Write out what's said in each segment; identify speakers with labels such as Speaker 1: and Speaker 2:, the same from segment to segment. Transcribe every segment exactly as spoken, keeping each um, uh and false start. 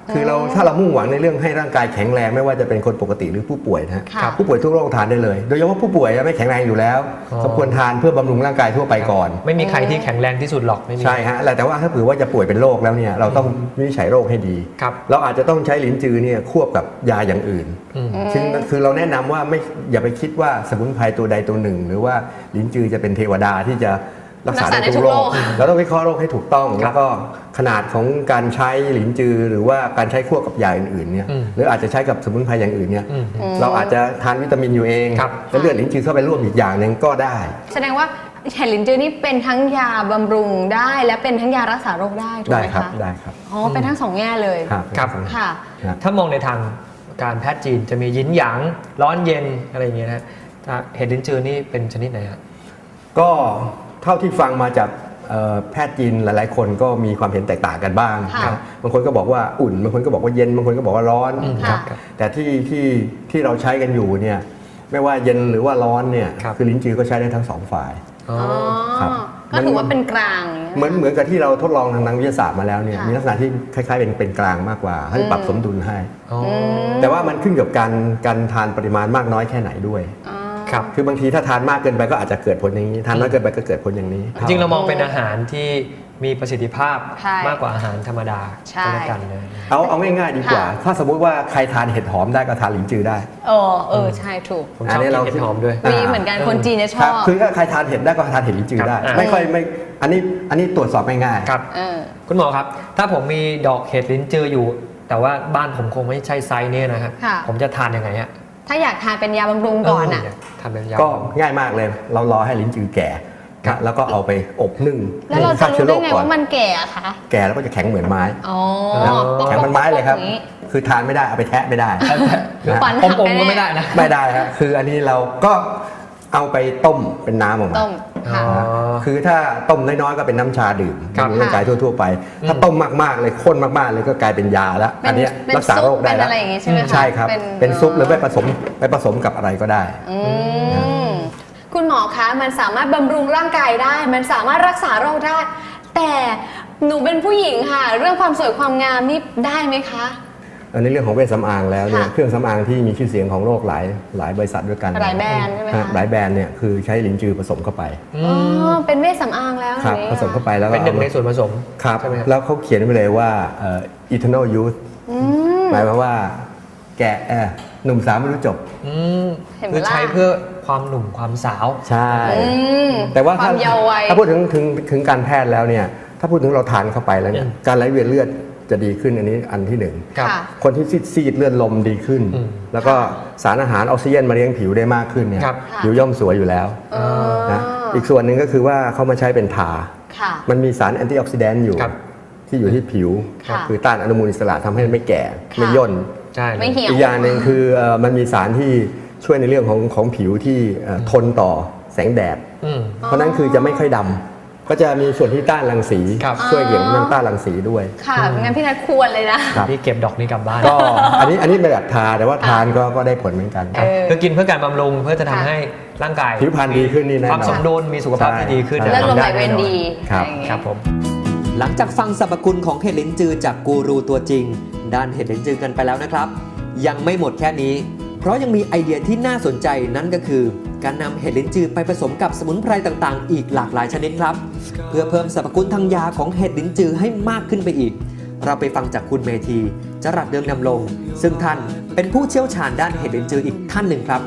Speaker 1: คือเราถ้าเรามุ่งหวังในเรื่องให้ร่างกายแข็งแรงไม่ว่าจะเป็นคนปกติหรือผู้ป่วยนะผู้ป่วยทุกโรคทานได้เลยโดยเฉพาะผู้ป่วยไม่แข็งแรงอยู่แล้วสมควรทานเพื่อบำรุงร่างกายทั่วไปก่อน
Speaker 2: ไม่มีใครที่แข็งแรงที่สุดหรอกไม่มี
Speaker 1: ใช่ฮะแต่ว่าถ้าเผื่อว่าจะป่วยเป็นโรคแล้วเนี่ยเราต้องวินิจฉัยโรคให้ดีเราอาจจะต้องใช้ลิ้นจือเนี่ยควบกับยาอย่างอื่นซึ่งคือเราแนะนำว่าไม่อย่าไปคิดว่าสมุนไพรตัวใดตัวหนึ่งหรือว่าลิ้นจือจะเป็นเทวดาที่จะรักษาได้ทุกโรคเราต้องวิเคราะห์โรคให้ถูกต้องแล้วก็ขนาดของการใช้หลินจือหรือว่าการใช้ควบกับยาอื่นๆเนี่ยหรืออาจจะใช้กับสมุนไพรอย่างอื่นเนี่ยเราอาจจะทานวิตามินอยู่เองแล้วเลือดหลินจือเข้าไปร่วมอีกอย่างหนึ่งก็ได้
Speaker 3: แสดงว่าเห็ดหลินจือนี่เป็นทั้งยาบำรุงได้และเป็นทั้งยารักษาโรคได้ถูกไหมคะ
Speaker 1: ได้ครับ
Speaker 3: อ๋อเป็นทั้งสองแง่เลย
Speaker 1: ครับ
Speaker 3: ค่ะ
Speaker 2: ถ้ามองในทางการแพทย์จีนจะมียินหยางร้อนเย็นอะไรอย่างเงี้ยนะเห็ดหลินจือนี่เป็นชนิดไหนครับ
Speaker 1: ก็เท่าที่ฟังมาจากแพทย์จีนหลายๆคนก็มีความเห็นแตกต่างกันบ้างบางคนก็บอกว่าอุ่นบางคนก็บอกว่าเย็นบางคนก็บอกว่าร้อนแต่ที่ที่ที่เราใช้กันอยู่เนี่ยไม่ว่าเย็นหรือว่าร้อนเนี่ยคือลิ้นจือก็ใช้ได้ทั้งสองฝ่าย
Speaker 3: ก็ถือว่าเป็นกลาง
Speaker 1: เหมือนเหมือนกับที่เราทดลองทางนักวิทยาศาสตร์มาแล้วเนี่ยมีลักษณะที่คล้ายๆเป็นเป็นกลางมากกว่าให้ปรับสมดุลให้แต่ว่ามันขึ้นกับการการทานปริมาณมากน้อยแค่ไหนด้วยคือบางทีถ้าทานมากเกินไปก็อาจจะเกิดผลอย่างนี้ทานน้อยเกินไปก็เกิดผลอย่างนี้
Speaker 2: จริงเรามองเป็นอาหารที่มีประสิทธิภาพมากกว่าอาหารธรรมดาก็แล้วกันเลย
Speaker 1: เอาเอาง่ายๆดีกว่าถ้าสมมุติว่าใครทานเห็ดหอมได้ก็ทานหลินจือได้
Speaker 3: เออเออใช่ถูก
Speaker 2: ผมชอบกินเห็ดหอมด้วย
Speaker 3: มีเหมือนกันคนจีนเนี่ยชอบ
Speaker 1: คือถ้าใครทานเห็ดได้ก็ทานเห็ดหลินจือได้ไม่ค่อยไม่อันนี้อันนี้ตรวจสอบง่าย
Speaker 2: ๆครับคุณหมอครับถ้าผมมีดอกเห็ดหลินจืออยู่แต่ว่าบ้านผมคงไม่ใช่ไซส์นี้นะครับผมจะทานยังไงฮะ
Speaker 3: ถ้าอยากทานเป็นยาบำรุงก่อนอ่ะ
Speaker 1: ก็ง่ายมากเลยเรารอให้ลิ้นจือแก่แล้วก็เอาไปอบนึ่ง
Speaker 3: แล้วเราจะรู้ได้ไงว่ามันแก่อะคะ
Speaker 1: แก่แล้วก็จะแข็งเหมือนไม้แข็งเหมือนไม้เลยครับคือทานไม่ได้เอาไปแทะไม่ได้
Speaker 2: อมๆก็ไม่ได้นะ
Speaker 1: ไม่ได้ครับคืออันนี้เราก็เอาไปต้มเป็นน้ำออกมาคือถ้าต้มน้อยๆก็เป็นน้ำชาดื่มในร่างกายทั่วๆไปถ้าต้มมากๆเลยข้นมากๆเลยก็กลายเป็นยาแล้วอันนี้รักษาโรคได้แล้วใช่ครับเป็นซุปหรือไปผสมไปผสมกับอะไรก็ได้
Speaker 3: คุณหมอคะมันสามารถบำรุงร่างกายได้มันสามารถรักษาโรคได้แต่หนูเป็นผู้หญิงค่ะเรื่องความสวยความงามนี่ได้ไหมคะ
Speaker 1: ในเรื่องของเวชสำอางแล้วเนี่ยเครื่องสำอางที่มีชื่อเสียงของโลกหลายหลายบริษัทด้วยกัน
Speaker 3: หลายแบรนด์ใช่ไหมคะ
Speaker 1: หลายแบรนด์เนี่ยคือใช้ลิ้นจือผสมเข้าไป
Speaker 3: อ๋อเป็นเวชสำอางแล้ว
Speaker 1: ครับผสมเข้าไปแล้ว
Speaker 2: เป็นหนึ่งในส่วนผสม
Speaker 1: ครับแล้วเขาเขียนไว้เลยว่า eternal youth หมายความว่าแก่หนุ่มสาวไม่รู้จบ
Speaker 2: คือใช้เพื่อความหนุ่มความสาว
Speaker 1: ใช่แต่ว่าถ้าถ้าพูดถึงถึงถึงการแพทย์แล้วเนี่ยถ้าพูดถึงเราทานเข้าไปแล้วเนี่ยการไหลเวียนเลือดจะดีขึ้นอันนี้อันที่หนึ่งคนที่ซีดเลือดลมดีขึ้นแล้วก็สารอาหารออกซิเจนมาเลี้ยงผิวได้มากขึ้นเนี่ยผิวย่อมสวยอยู่แล้วนะอีกส่วนหนึ่งก็คือว่าเขามาใช้เป็นทามันมีสารแอนตี้ออกซิแดนต์อยู่ที่อยู่ที่ผิวคือต้านอนุมูลอิสระทำให้ไม่แก่ไม่ย่นอีกอย่างหนึ่งคือมันมีสารที่ช่วยในเรื่องของของผิวที่ทนต่อแสงแดดเพราะนั้นคือจะไม่ค่อยดำก็จะมีส่วนที่ต้านรังสีช่วยเกี่ยวกับเรื่องต้านรังสีด้วย
Speaker 3: ค่ะงั้นพี่นัทควรเลยนะ
Speaker 2: พี่เก็บดอกนี้กลับบ้าน
Speaker 1: ก็อันนี้อันนี้ไม่แบบทาแต่ว่าทานก็ก็ได้ผลเหมือนกัน
Speaker 2: คือกินเพื่อการบำรุงเพื่อจะทำให้ร่างกาย
Speaker 1: ผิวพรรณดีขึ้นนี่แน่นอน
Speaker 2: ความสมดุลมีสุขภาพที่ดีขึ้น
Speaker 3: เลือดลมไหลเวียนดี
Speaker 1: ครับ
Speaker 2: ครับผม
Speaker 4: หลังจากฟังสรรพคุณของเห็ดลิ้นจือจากกูรูตัวจริงด้านเห็ดลิ้นจือกันไปแล้วนะครับยังไม่หมดแค่นี้เพราะยังมีไอเดียที่น่าสนใจนั่นก็คือการนำเห็ดลิ้นจือไปผสมกับสมุนไพรต่างๆอีกหลากหลายชนิดครับเพื่อเพิ่มสรรพคุณทางยาของเห็ดลิ้นจือให้มากขึ้นไปอีกเราไปฟังจากคุณเมธีจรัสเดืองดำรงซึ่งท่านเป็นผู้เชี่ยวชาญด้านเห็ดลิ้นจืออีกท่านหนึ่งครับ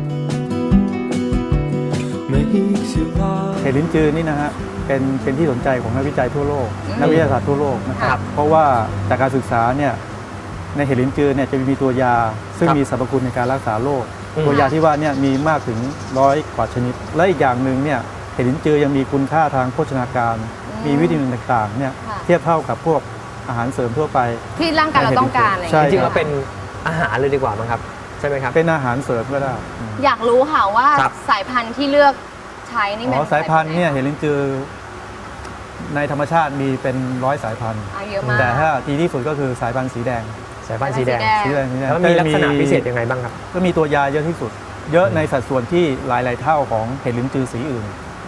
Speaker 5: เห็ดลิ้นจือนี่นะฮะเป็นเป็นที่สนใจของนักวิจัยทั่วโลกนักวิทยาศาสตร์ทั่วโลกนะครับเพราะว่าจากการศึกษาเนี่ยในเห็ดลิ้นจือเนี่ยจะมีตัวยาซึ่งมีสรรพคุณในการรักษาโรคตัวยาที่ว่าเนี่ยมีมากถึงร้อยกว่าชนิดและอีกอย่างหนึ่งเนี่ยเห็ดลิ้นจือยังมีคุณค่าทางโภชนาการมีวิตามินต่างๆเนี่ยเทียบเท่ากับพวกอาหารเสริมทั่วไป
Speaker 3: ที่ร่างกายเราต้องการอะไร
Speaker 2: จริงๆแล้วเป็นอาหารเลยดีกว่ามั้งครับใช่ไหมครับ
Speaker 5: เป็นอาหารเสริมก็ได้
Speaker 3: อยากรู้ค่ะว่าสายพันธุ์ที่เลือกใช้นี่เป็น
Speaker 5: สายพันธุ์เนี่ยเห็ดลิ้นจือในธรรมชาติมีเป็นร้อยสายพันธุ์แต่ถ้าดีที่สุดก็คือสายพันธุ์สีแดง
Speaker 2: สายพันธุ์สีแดง
Speaker 5: สีแดง
Speaker 2: แล้วมีลักษณะพิเศษยังไงบ้างครับ
Speaker 5: ก็มีตัวยาเยอะที่สุดเยอะในสัดส่วนที่หลายๆเท่าของเห็ดลิ้นจือสีอื่น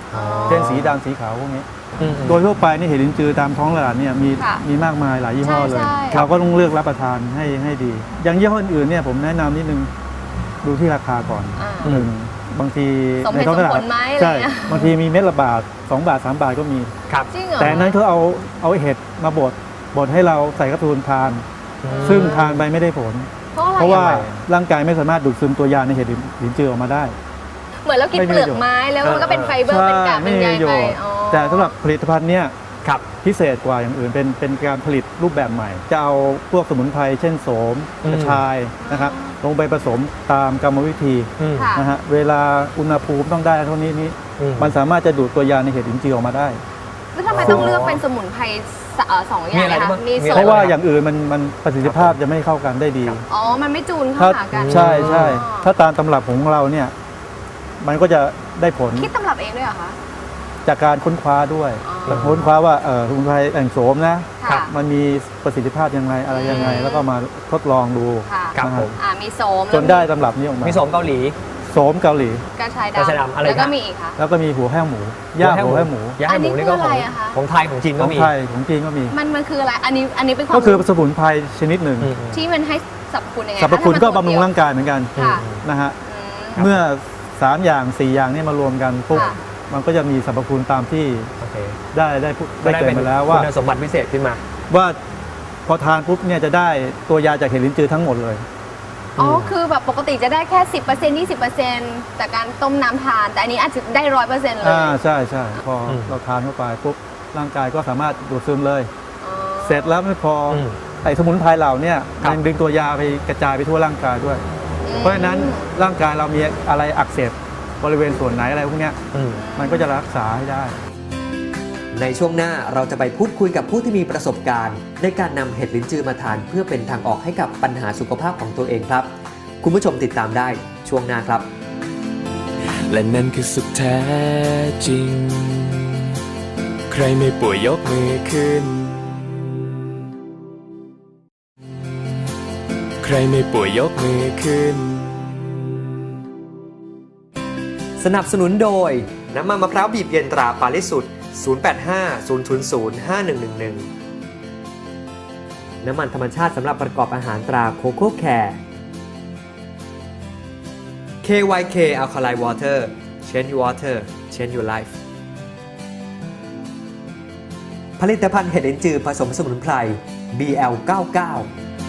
Speaker 5: เช่นสีดำสีขาวพวกนี้โดยทั่วไปนี่เห็ดลิ้นจือตามท้องตลาดเนี่ยมีมีมากมายหลายยี่ห้อเลยเราก็ต้องเลือกรับประทานให้ให้ดีอย่างยี่ห้ออื่นเนี่ยผมแนะนำนิดนึงดูที่ราคาก่อนหนึ่งบางทีในท้องตลาดใช่บางทีมีเม็ดละบาทสองบาทสามบาทก็มีแต่นั้นเขาเอาเอาเห็ดมาบดบดให้เราใส่กระทูนทานซึ่งทานไปไม่ได้ผลเพราะว่าร่างกายไม่สามารถดูดซึมตัวยาในเห็ดลิ้นจือออกมาได้
Speaker 3: เหมือนเรากินเปลือกไม้แล้วมันก็เป็นไฟเบอร์เป็นกากเป็นใยไป
Speaker 5: แต่สำหรับผลิตภัณฑ์เนี้ยพิเศษกว่าอย่างอื่นเป็นเป็นการผลิตรูปแบบใหม่จะเอาพวกสมุนไพรเช่นโสมกระชายนะครับลงไปผสมตามกรรมวิธีนะฮะเวลาอุณหภูมิต้องได้เท่านี้นี้มันสามารถจะดูดตัวยาในเห็ดลิ้นจือออกมาได้
Speaker 3: แล้วทำไมต้องเลือกเป็นสมุนไพรสองอย่างนะคะมี
Speaker 5: เพราะว่าอย่างอื่นมันมันประสิทธิภาพจะไม่เข้ากันได้ดี
Speaker 3: อ๋อมันไม่จูนเข้าหากัน
Speaker 5: ใช่ใช่ถ้าตามตำรับของเราเนี่ยมันก็จะได้ผล
Speaker 3: คิดตำรับเองด้วยเหรอคะ
Speaker 5: จากการค้นคว้าด้วยค้นคว้าว่าเออสมุนไพรแอ่งโสมนะมันมีประสิทธิภาพยังไงอะไรยังไงแล้วก็มาทดลองดู
Speaker 3: นะครับมีโสม
Speaker 5: จนได้ตำรับนี้ออกมา
Speaker 2: มีโสมเกาหลี
Speaker 5: โสมเกาหลี
Speaker 3: กระชายดำ
Speaker 2: แล้ว
Speaker 3: ก็มีอีกค่ะ
Speaker 5: แล้วก็มีหัวแห้วหมูย่าหัวแห้วหมู
Speaker 2: ย่าหมูนี่ก็ของของไทยของจีนก็มี
Speaker 5: ของไทยของจีนก็มี
Speaker 3: มันมันคืออะไรอันนี้อันนี้เป็นความ
Speaker 5: ก็คือสมุนไพรชนิดหนึ่ง
Speaker 3: ที่มันให้สรรพคุณยังไง
Speaker 5: สรรพคุณก็บำรุงร่างกายเหมือนกันนะฮะเมื่อสามอย่างสี่อย่างนี้มารวมกันปุ๊บมันก็จะมีสรรพคุณตามที่ได้ได้ได้เกิดมาแล้วว่า
Speaker 2: คุณสมบัติพิเศษขึ้นมา
Speaker 5: ว่าพอทานปุ๊บเนี่ยจะได้ตัวยาจากเห็ดลิ้นจือทั้งหมดเลย
Speaker 3: อ๋อคือแบบปกติจะได้แค่ สิบเปอร์เซ็นต์ ยี่สิบเปอร์เซ็นต์ จากการต้มน้ำทานแต่อันนี้อาจจะได้ ร้อยเปอร์เซ็นต์ เลย
Speaker 5: อ่าใช่ใช่พอเราทานเข้าไปปุ๊บร่างกายก็สามารถดูดซึมเลยเสร็จแล้วไม่พอไอ้สมุนไพรเหล่านี้มันดึงตัวยาไปกระจายไปทั่วร่างกายด้วยเพราะฉะนั้นร่างกายเรามีอะไรอักเสบบริเวณส่วนไหนอะไรพวกนี้มันก็จะรักษาให้ได้
Speaker 4: ในช่วงหน้าเราจะไปพูดคุยกับผู้ที่มีประสบการณ์ในการนำเห็ดลิ้นจือมาทานเพื่อเป็นทางออกให้กับปัญหาสุขภาพของตัวเองครับคุณผู้ชมติดตามได้ช่วงหน้าครับ
Speaker 6: และนั่นคือสุขแท้จริงใครไม่ป่วยยกมือขึ้นใครไม่ป่วยยกมือขึ้น
Speaker 4: สนับสนุนโดยน้ำมันมะพร้าวบีบเย็นตราปาริสุทธิ์ศูนย์ แปด ห้า ศูนย์ ศูนย์ ศูนย์ ห้า หนึ่ง หนึ่ง หนึ่ง น้ำมันธรรมชาติสำหรับประกอบอาหารตราโคโค่แคร์ เค วาย เค Alkaline Water Change Your Water Change Your Life ผลิตภัณฑ์เห็ดลิ้นจือผสมสมุนไพร บี แอล เก้าสิบเก้า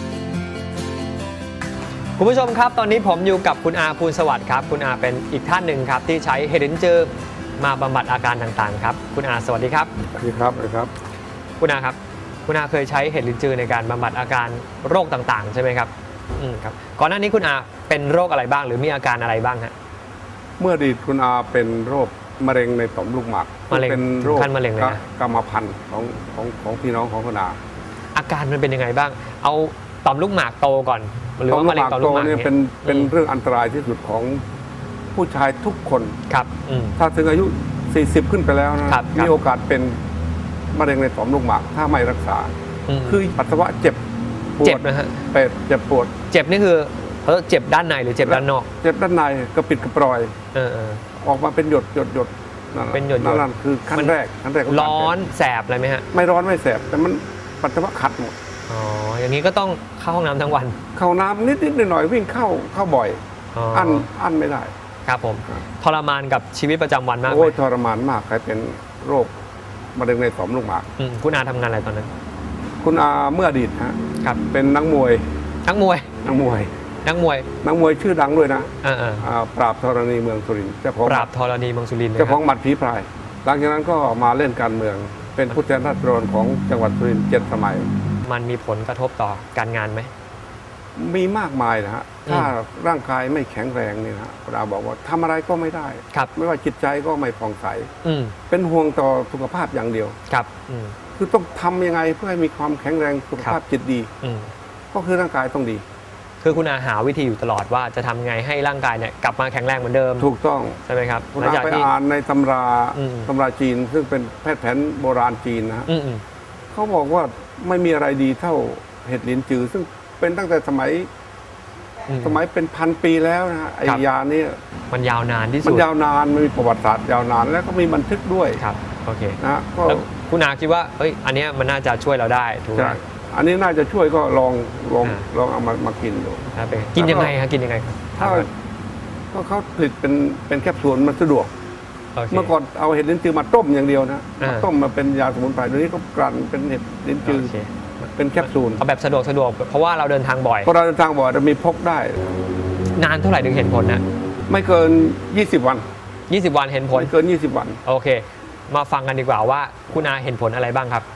Speaker 2: คุณผู้ชมครับตอนนี้ผมอยู่กับคุณอาภูลสวัสดิ์ครับคุณอาเป็นอีกท่านหนึ่งครับที่ใช้เห็ดลิ้นจือมาบำบัดอาการต่างๆครับคุณอาสวัสดีครับ
Speaker 1: สวัสดีครับสวัสดีครับ
Speaker 2: คุณอาครับคุณอาเคยใช้เห็ดลิ้นจือในการบำบัดอาการโรคต่างๆใช่ไหมครับอืมครับก่อนหน้านี้คุณอาเป็นโรคอะไรบ้างหรือมีอาการอะไรบ้างฮะ
Speaker 7: เมื่ออดีตคุณอาเป็นโรคมะเร็งในต่อมลูกหมาก
Speaker 2: เป็นโรคขั้นมะเร็งเลยนะ
Speaker 7: กรรมพันธุ์ของของของพี่น้องของคุณอา
Speaker 2: อาการมันเป็นยังไงบ้างเอาต่อมลูกหมากโตก่อนหรือว่ามะเร็งต่อมลูกหมาก
Speaker 7: เนี่ยเป็นเป็นเรื่องอันตรายที่สุดของผู้ชายทุกคน
Speaker 2: ครับ
Speaker 7: ถ้าถึงอายุสี่สิบขึ้นไปแล้วนะมีโอกาสเป็นมะเร็งในต่อมลูกหมากถ้าไม่รักษาคือปัสสาวะเจ็บ
Speaker 2: ปวดนะฮะ
Speaker 7: เป็ดเจ็บปวด
Speaker 2: เจ็บนี่คือเขาเจ็บด้านในหรือเจ็บด้านนอก
Speaker 7: เจ็บด้านในกระปิดกระปรอย
Speaker 2: เออ
Speaker 7: ออกมาเป็นหยดหยดหยด
Speaker 2: เป็นหยด
Speaker 7: นั่นคือขั้นแรกขั้นแรก
Speaker 2: ร้อนแสบอะไรไหมฮะ
Speaker 7: ไม่ร้อนไม่แสบแต่มันปัสสาวะขัดหมด
Speaker 2: อ๋ออย่างนี้ก็ต้องเข้าห้องน้ำทั้งวัน
Speaker 7: เข้าน้ำนิดนิดหน่อยๆวิ่งเข้าเข้าบ่อยอั้นอั้นไม่ได้
Speaker 2: ครับผมทรมานกับชีวิตประจำวันมาก
Speaker 7: โอ้ยทรมานมากใครเป็นโรคมะเร็งในต่อมลูกหมาก
Speaker 2: คุณอาทำงานอะไรตอนนั้น
Speaker 7: คุณอาเมื่ออดีตฮะครับเป็นนักมวย
Speaker 2: นักมวย
Speaker 7: นักมวย
Speaker 2: นักมวย
Speaker 7: นักมวยชื่อดังด้วยนะ
Speaker 2: อ่า
Speaker 7: ปราบธรณีเมืองสุรินทร์เจ้าของ
Speaker 2: ปราบธรณีเมืองสุรินทร์
Speaker 7: เจ้าของหมัดผีพรายหลังจากนั้นก็มาเล่นการเมืองเป็นผู้แทนราษฎรของจังหวัดสุรินทร์เจ็ดสมัย
Speaker 2: มันมีผลกระทบต่อการงานไหม
Speaker 7: มีมากมายนะฮะถ้าร่างกายไม่แข็งแรงนี่นะคุณอาบอกว่าทำอะไรก็ไม่ได้ไม่ว่าจิตใจก็ไม่ผ่องใสเป็นห่วงต่อสุขภาพอย่างเดียว
Speaker 2: ครับ
Speaker 7: คือต้องทำยังไงเพื่อให้มีความแข็งแรงสุขภาพจิตดีก็คือร่างกายต้องดี
Speaker 2: คือคุณอาหาวิธีอยู่ตลอดว่าจะทำไงให้ร่างกายเนี่ยกลับมาแข็งแรงเหมือนเดิม
Speaker 7: ถูกต้อง
Speaker 2: ใช่ไหมครับ
Speaker 7: คุณอาไปอ่านในตำราตำราจีนซึ่งเป็นแพทย์แผนโบราณจีนนะฮะเขาบอกว่าไม่มีอะไรดีเท่าเห็ดลิ้นจือซึ่งเป็นตั้งแต่สมัยสมัยเป็นพันปีแล้วนะฮะไอ้ยานี่
Speaker 2: มันยาวนานที่สุด
Speaker 7: มันยาวนานมันมีประวัติศาสตร์ยาวนานแล้วก็มีบันทึกด้วย
Speaker 2: ครับโอเค
Speaker 7: นะก็
Speaker 2: คุณอาคิดว่าเอ้ยอันนี้มันน่าจะช่วยเราได้ถูกไหม
Speaker 7: อันนี้น่าจะช่วยก็ลองลองลองเอามามากินดู
Speaker 2: กินยังไงครับกินยังไง
Speaker 7: ถ้าก็เขาผลิตเป็นเป็นแคปซูลมันสะดวกเมื่อก่อนเอาเห็ดลิ้นจือมาต้มอย่างเดียวนะมาต้มมาเป็นยาสมุนไพรเดี๋ยวนี้ก็กลั่นเป็นเห็ดลิ้นจือเป็นแคปซูล
Speaker 2: เอาแบบสะดวกสะดวกเพราะว่าเราเดินทางบ่อย
Speaker 7: เพราะเราเดินทางบ่อยจะมีพกได้
Speaker 2: นานเท่าไหร่ถึงเห็นผลนะ
Speaker 7: ไม่เกินยี่สิบวัน
Speaker 2: ยี่สิบวันเห็นผล
Speaker 7: ไม่เกินยี่สิบวัน
Speaker 2: โอเคมาฟังกันดีกว่าว่าคุณอาเห็นผลอะไรบ้างครับ